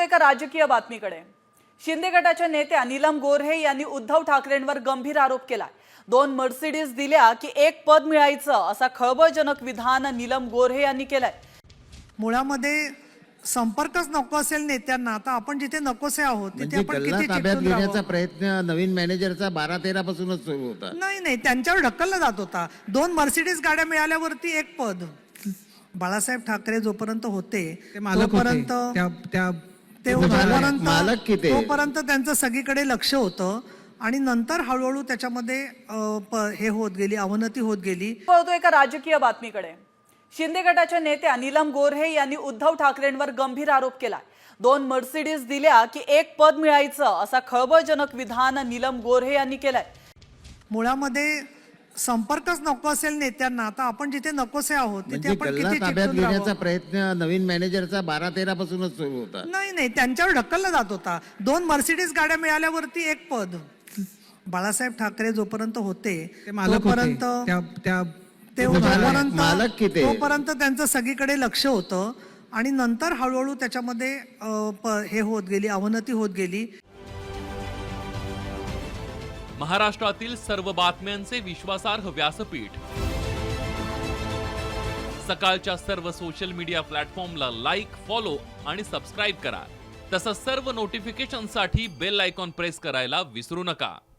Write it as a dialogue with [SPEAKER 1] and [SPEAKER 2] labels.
[SPEAKER 1] एका राजकीय बातमीकडे। शिंदे गटाच्या नेत्या नीलम गोऱ्हे यांनी उद्धव ठाकरेंवर गंभीर आरोप केला। 2 मर्सिडीज दिल्या की एक पद मिळायचं असा खळबळजनक विधान नीलम गोऱ्हे यांनी केलंय।
[SPEAKER 2] मुळामध्ये संपर्कच नको असेल नेत्यांना, आता आपण जिथे नकोसे आहोत तिथे आपण किती
[SPEAKER 3] ताब्यात घेण्याचा प्रयत्न नवीन मॅनेजरचा 12-13 पासूनच सुरू होता।
[SPEAKER 2] नाही त्यांच्यावर ढकलला जात होता। 2 मर्सिडीज गाड्या मिळाल्यावरती एक पद। बाळासाहेब ठाकरे जोपर्यंत होते तोपर्यंत तोपर्यंत त्यांचं सगळीकडे लक्ष होतं आणि नंतर हळूहळू त्याच्यामध्ये हे होत गेली, अवनती होत गेली।
[SPEAKER 1] एका राजकीय बातमीकडे। शिंदे गटाच्या नेत्या नीलम गोऱ्हे यांनी उद्धव ठाकरेंवर गंभीर आरोप केला। 2 मर्सिडीज दिल्या की एक पद मिळायचं असा खळबळजनक विधान नीलम गोऱ्हे यांनी केलंय।
[SPEAKER 2] मुळामध्ये संपर्कच नको असेल नेत्यांना, आता आपण जिथे नकोसे आहोत तिथे आपण किती
[SPEAKER 3] ताब्यात घेण्याचा प्रयत्न नवीन मॅनेजरचा 12-13 पासूनच सुरू होता।
[SPEAKER 2] नाही त्यांच्यावर ढकलला जात होता। 2 मर्सिडीज गाड्या मिळाल्यावरती एक पद। बाळासाहेब ठाकरे जोपर्यंत होते तोपर्यंत त्यांचं सगळीकडे लक्ष होतं आणि नंतर हळूहळू त्याच्यामध्ये हे होत गेली, अवनती होत गेली।
[SPEAKER 4] महाराष्ट्रातील सर्व बातम्यांचे विश्वासार्ह व्यासपीठ, सकाळच्या सर्व सोशल मीडिया प्लॅटफॉर्मला लाईक, फॉलो आणि सबस्क्राईब करा। तसंच सर्व नोटिफिकेशनसाठी बेल आयकॉन प्रेस करायला विसरू नका।